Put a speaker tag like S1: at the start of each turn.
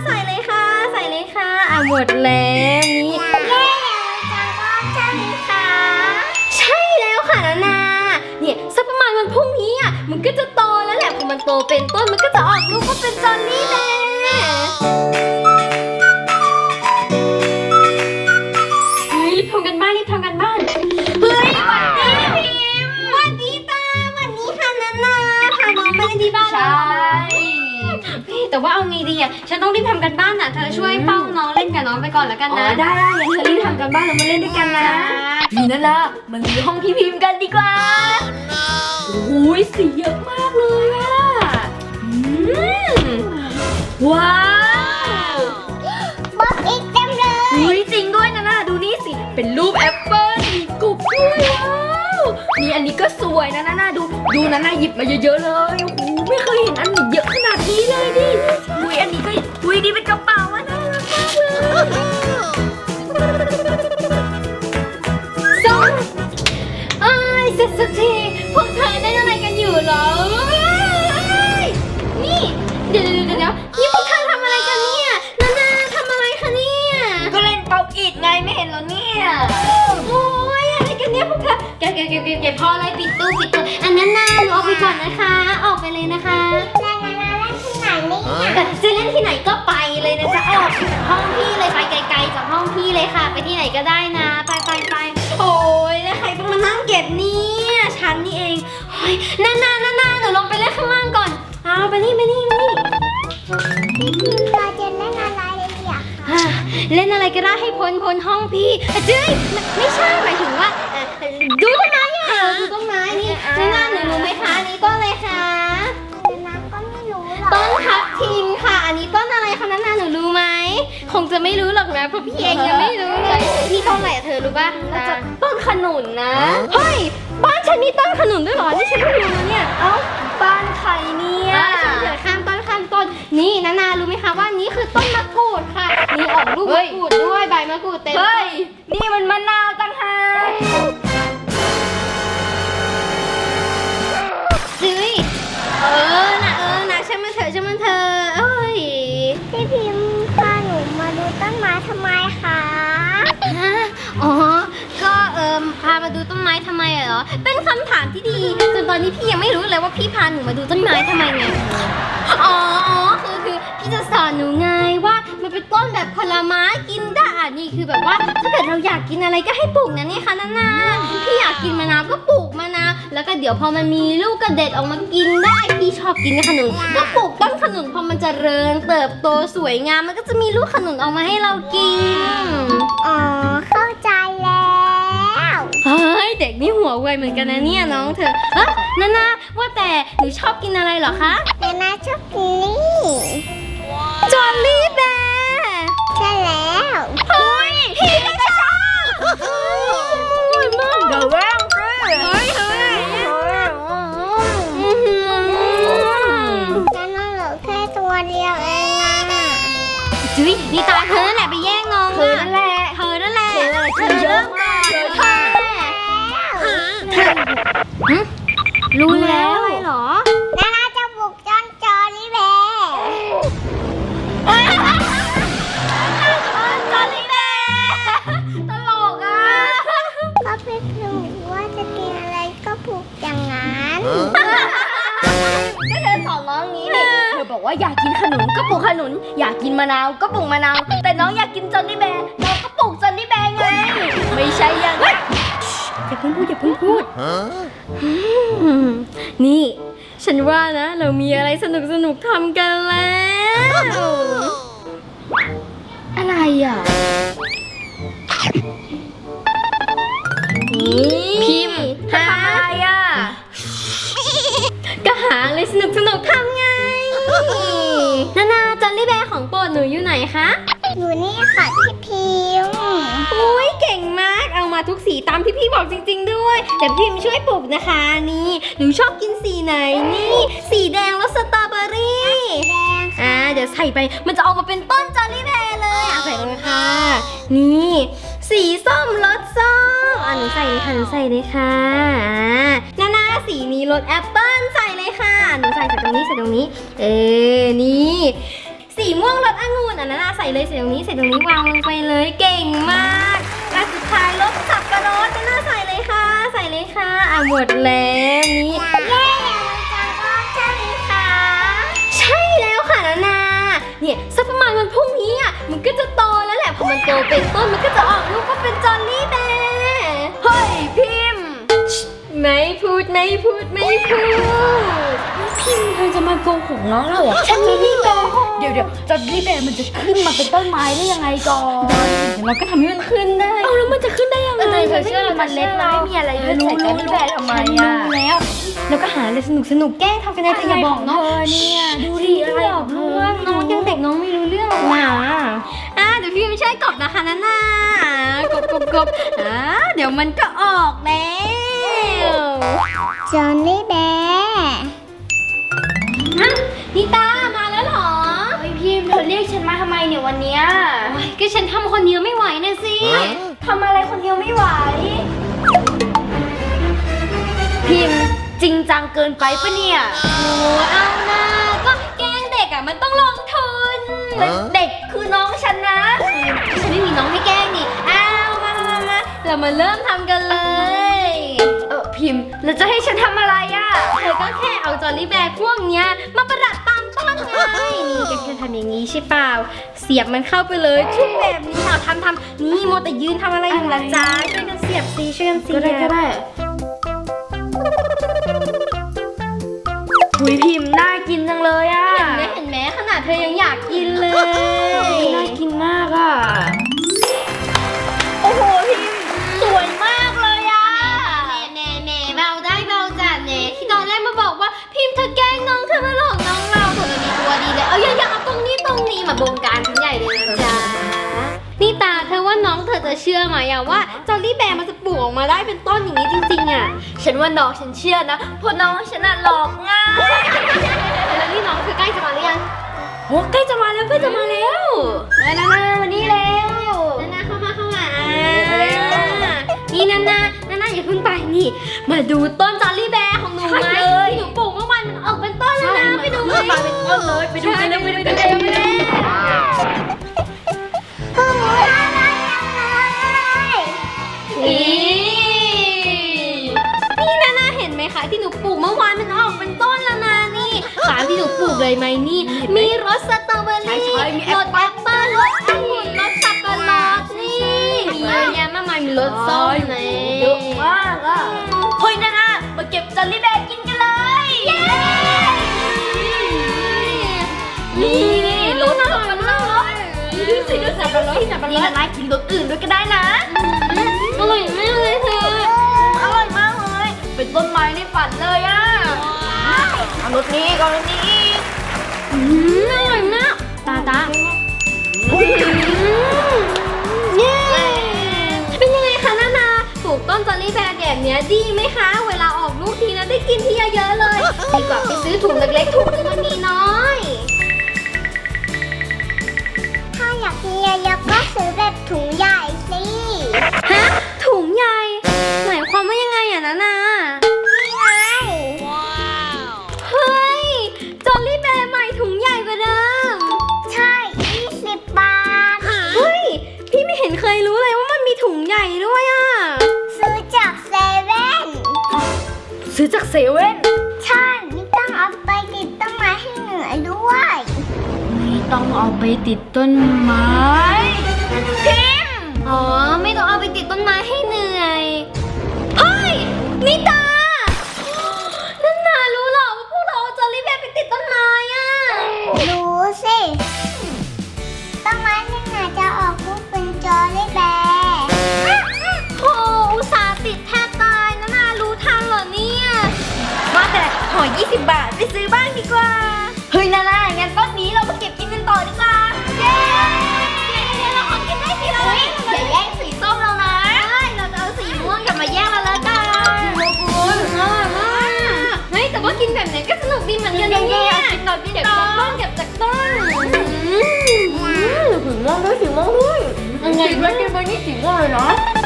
S1: ใส่เลยค่ะใส่เลยค่ะหมดแล้วนี่จังก็ใช่ค่ะใช่แล้วค่ะนาเนี่ยสักประมาณวันพรุ่งนี้มันก็จะโตแล้วแหละพอมันโตเป็นต้นมันก็จะออกลูกก็เป็นจอลลี่แบร์รีบทำกันบ้านเฮ้ยวันดีพิมวันดีตาวันนี้ค่ะนาพาน้องมาเล่นที่บ้านใช่แต่ว่าเอาไงดีฉันต้องรีบทำกันบ้านเธอช่วยเฝ้าน้องเล่นกับน้องไปก่อนแล้วกันนะ
S2: ได้งั้นเธอรีบทำกันบ้านแล้วมาเล่นด้วยกันนะนี่นั่นล่ะมันมีห้องพี่พิมพ์กันดีกว่าโอ้ยสีเยอะมากเลยว้าว
S1: บล็อกอีกเต็มเลย
S2: อุ้ยจริงด้วยนะดูนี่สิเป็นรูปแอปเปิ้ลมีกบด้วยว้าวนี่อันนี้ก็สวยนะดูนะหยิบมาเยอะๆเลยโอ้โหไม่เคยเห็นอันนี้เยอะขนาดนี้เลยดิอุ้ยอันนี้ก็อุ้ยนี่เป็นกระเป๋าน่ารักมากเลย
S1: เสร็จสักทีพวกเธอเล่นอะไรกันอยู่เหรอนี่เดี๋ยวนี่พวกเธอทำอะไรกันเนี่ยนาทำอะไรคะเนี่ย
S2: ก็เล่นเป่าอิฐไงไม่เห็นเหรอเนี่ย
S1: โอ้ยอะไรกันเนี่ยพวกเธอเก็บพออะไรปิดตู้อันนั้นนาหนูออกไปก่อนนะคะออกไปเลยนะคะนาเล่นที่ไหนเนี่ยจะเล่นที่ไหนก็ไปเลยนะจะออกห้องพี่เลยไปไกลๆจากห้องพี่เลยค่ะไปที่ไหนก็ได้นะไปโอ้ยแล้วใครต้องมานั่งเก็บเนี่ยฉันนี่เองเฮ้ยนาหนูลงไปเล่นข้างล่างก่อนเอาไปนี่เราจะเล่นอะไรเล่นอะไรก็ได้ให้พ้นห้องพี่เจ้ยไม่ใช่หมายถึงว่าดูต้นไม้ดูต้นไม้นี่นาหนูรู้ไหมคะอันนี้ต้นอะไรคะนาก็ไม่รู้หรอกต้นทับทิมค่ะอันนี้ต้นอะไรคะนาหนูรู้ไหมคงจะไม่รู้หรอกนะเพราะพี่เองยังไม่รู้เลยนี่ต้นอะไรเธอรู้ป่ะน่าจะต้นขนุนนะเฮ้ยบ้านฉันมีต้นขนุนด้วยเหรอนี่ฉันไม่รู้นะเนี่ยเอ้า
S2: บ้านใครเนี่ย
S1: เดี๋ยวข้ามต้นนี่นารู้ไหมคะว่านี่คือต้นมะกรูดค่ะนี่ออกลูกมะกรูดด้วยใบมะกรูดเต็ม
S2: เฮ้ยนี่มันมะนาวต่างหาก
S1: ซื้อนะช่างมันเถอะเอ้ยพี่พิมพ์พาหนูมาดูต้นไม้ทำไมคะอ๋อก็พามาดูต้นไม้ทำไมเหรอเป็นคำถามที่ดีจนตอนนี้พี่ยังไม่รู้เลยว่าพี่พาหนูมาดูต้นไม้ทำไมไงอ๋อคือพี่จะสอนหนูไงว่ามันเป็นต้นแบบผลไม้กินได้นี่คือแบบว่าถ้าเกิดเราอยากกินอะไรก็ให้ปลูกนะนี่ค่ะนาพี่อยากกินมะนาวก็ปลูกมะนาวแล้วก็เดี๋ยวพอมันมีลูกกระเด็ดออกมากินได้พี่ชอบกินขนุนก็ปลูกต้นขนุนพอมันเจริญเติบโตสวยงามมันก็จะมีลูกขนุนออกมาให้เรากินอ๋อเข้าใจแล้วเฮ้ยเด็กนี่หัวไวเหมือนกันนะเนี่ยน้องเธอนาว่าแต่หนูชอบกินอะไรเหรอคะนาชอบกินจอลลี่แบร์ใช่แล้วเฮ้ยพี่ก็ชอบอร่อยมาก
S2: เดี๋ยวแว่ง
S1: เฮ้ยนั่นเหลือแค่ตัวเดียวเองจุ๊ยนี่ตาเธอนั่นแหละไปแย่งน้อง
S2: เธอนั่นแหละ
S1: เยอะมากเลยรู้แล้วอะไรหรอนาจะบุกจอลี่แบร์จอลี่แบร์ตลกก็พี่พิมพ์ว่าจะกินอะไรก็ปลูกอย่างนั้น
S2: ก็เธอสอนน้องงี้นี่เธอบอกว่าอยากกินขนุนก็ปลูกขนุนอยากกินมะนาวก็ปลูกมะนาวแต่น้องอยากกินจอลลี่แบร์น้องก็ปลูกจอลลี่แบร์ไงไม่ใช่อย่างนั้น
S1: อย่าเพิ่งพูดนี่ฉันว่านะเรามีอะไรสนุกทำกันแล้ว
S2: อะไรพิมพ์ทำอะไร
S1: ก็หาอะไรสนุกทำไงนาจอลลี่แบร์ของโปรดหนูอยู่ไหนคะอยู่นี่ค่ะพี่พิมพ์อุ้ยเก่งมากเอามาทุกสีตามที่พี่บอกจริงๆด้วยเดี๋ยวพิมพ์ช่วยปลูกนะคะนี่หนูชอบกินสีไหนนี่สีแดงรสสตรอเบอรี่แดงเดี๋ยวใส่ไปมันจะออกมาเป็นต้นจอลลี่แบร์เลยใส่เลยค่ะนี่สีส้มรสส้มหนูใส่เลยค่ะนาสีนี้รสแอปเปิ้ลใส่เลยค่ะหนูใส่ตรงนี้นี่สีม่วงรสองุ่นนานาใส่เลยใส่ตรงนี้วางลงไปเลยเก่งมากอันสุดท้ายรสสับปะรดนานาใส่เลยค่ะหมดแล้วนี่เย้มันจะรอดใช่ไหมคะใช่แล้วค่ะนานาเนี่ยสักประมาณวันพรุ่งนี้อ่ะมันก็จะโตแล้วแหละพอมันโตเป็นต้นมันก็จะออกลูกก็เป็นจอลลี่แบร์เฮ้ยพิมพ์ไม่พูดพิมพ์เธอจะมาโกหกน้องเราเหรอฉันไม่ได้โกหก
S2: เดี๋ยวจอลลี่แบร์มันจะขึ้นมาเป็นต้นไม้ได้ยังไงก่อน
S1: เราก็ทำให้มันขึ้นได้
S2: เอาแล้วมันจะขึ้นได้ยังไง
S1: เธอเชื่อมันเล็กนะไม่มีอะไรด้วยใส่จอลลี่แบร์ทำไมอ่ะแล้วก็หาอะไรสนุกแกล้งทำกันได้แต่อย่าบอกน้อง
S2: เนี่ยดูดิอะไรของเธอ
S1: น้องยังเด็กน้องไม่รู้เรื่องนะเดี๋ยวพี่ไม่ใช่กบนะคะนั่นน่ะกบเดี๋ยวมันก็ออกแล้วจอลลี่แบร์นิตามาแล้วเหรอ
S2: เฮ้ยพิมพ์เธอเรียกฉันมาทำไมเนี่ยวันเนี้ย
S1: ก็ฉันทำคนเดียวไม่ไหวนะสิ
S2: ทำอะไรคนเดียวไม่ไหวพิมพ์จริงจังเกินไปปะเนี่ย
S1: โอ้เอานะก็แกล้งเด็กอ่ะมันต้องลงทุน
S2: เด็กคือน้องฉันนะ
S1: ฉันไม่มีน้องให้แกล้งนี่อ้าวมาเรามาเริ่มทำกันเลย
S2: พิมพ์แล้วจะให้ฉันทำอะไรอ่ะ
S1: เธอก็แค่เอาจอลลี่แบร์พวกเนี้ยมาประดับตามต้นไงนี่แกแค่ทำอย่างนี้ใช่เปล่าเสียบมันเข้าไปเลยทุกแบบนี้เอาทำนี่โมแต่ยืนทำอะไรอยู่ล่ะจ๊ะช่วยกันเสียบสิ
S2: ก็ได้หุยพิมพ์น่ากินจังเลยอ่ะ
S1: เห็นไหมขนาดเธอยังอยากกินเลย
S2: น่ากินมากอ่ะโอ้โหพิมพ์สวยมากเลยอ่ะ
S1: แม่เบาได้เบาจัดเนี่ยที่ตอนแรกมาบอกว่าพิมพ์เธอแกล้งน้องเธอมาหลอกน้องเราเธอมีตัวดีเลยอย่าเอาตรงนี้มาบงการฉันใหญ่เลยนะจ๊ะนี่ตาเธอว่าน้องเธอจะเชื่อไหมอะว่าจอลลี่แบร์มันจะปลูกออกมาได้เป็นต้นอย่างนี้จริงๆอะ
S2: ฉันว่าน้องฉันเชื่อนะเพราะน้องฉันน่ะหลอกง่าย
S1: แล้วนี่น้องคือใกล้จะมาหรือยัง
S2: โอ้ใกล้จะมาแล้ว
S1: นาวันนี้เร็วนาเข้ามานี่นาอย่าเพิ่งไปนี่มาดูต้นจอลลี่แบร์ของหนูไหมที่หนูปลูกเมื่อวานมันออกเป็นต้นแล้วนะไปดูไหม
S2: มาเป็นต้นเลยไปดูกันเลยนี่
S1: นาเห็นไหมคะที่หนูปลูกเมื่อวานมันออกเป็นต้นแล้วนะนี่ตามที่หนูปลูกเลยไหมนี่มีรสสตรอเบอรี่รสแอปเปิ้ลรสองุ่นรสสับปะรดนี่มีเยอะแยะมากมายมีรสส้ม
S2: เยอะมากอ่ะเฮ้ยนามาเก็บจอลลี่แบร์กินกันเลยนี่รสสับปะรดดูสิสับปะรดนี่นากินรสอื่นด้วยก็ได้นะ
S1: อร่อยมากเลยเธอ
S2: อร่อยมากเลยเป็นต้นไม้ในฝันเลยอ่ะเอารสนี้ก็รสนี้
S1: อร่อยมากตาเย้เป็นยังไงคะนาปลูกต้นจอลลี่แบร์แบบนี้ดีไหมคะเวลาออกลูกทีนะได้กินที่เยอะๆเลยดีกว่าไปซื้อถุงเล็กๆถุงนึงมันมีน้อย
S3: ถ้าอยากกินเยอะๆก็ซื้อแบบถุงใหญ่สิ
S1: ฮะถุงใหญ่หมายความว่ายังไงอะนา
S3: นี่ไง
S1: เฮ้ยจอลลี่แบร์ใหม่ถุงใหญ่กว่าเดิม
S3: ใช่20 บาท
S1: เฮ้ยพี่ไม่เห็นเคยรู้เลยว่ามันมีถุงใหญ่ด้วยอะ
S3: ซื้อจากเซเว่นใช่ไม่ต้องเอาไปติดต้นไม้ให้เหนื่อยด้วย
S2: ไม่ต้องเอาไปติดต้นไม้พิมพ์
S1: ไม่ต้องเอาไปติดต้นไม้ให้เหนื่อยเฮ้ยนิตานั่นนารู้เหรอว่าพวกเราเอาจอลลี่แบร์ไปติดต้นไม้อะ
S3: รู้สิต้นไม้นี่นาจะออกลูกเป็นจอลลี่แบร์
S1: โอ้อุตส่าห์ติดแทบตายนารู้ทันเหรอเนี่ยว่าแต่หอย20 บาทไปซื้อบ้างดีกว่า
S2: เฮ้ยนางั้นต้นนี้เรามาเก็บกินกันต่อดีกว่า
S1: เย้เราขอกินได้ทีละ
S2: อย่าแย่งสีส้มเรานะ
S1: เราจะเอาสีม่วงกลับมาแย่งเราแล้วกันเฮ้ยแต่ว่ากินแบบไหนก็สนุกดีเหมือนกันนะเนี่ย
S2: กินต่อที่เด็ก
S1: ต้นเก็บจากต้น
S2: สีม่วงด้วยยังไงด้วยกินไปนี่สีม่วงเลยเนาะ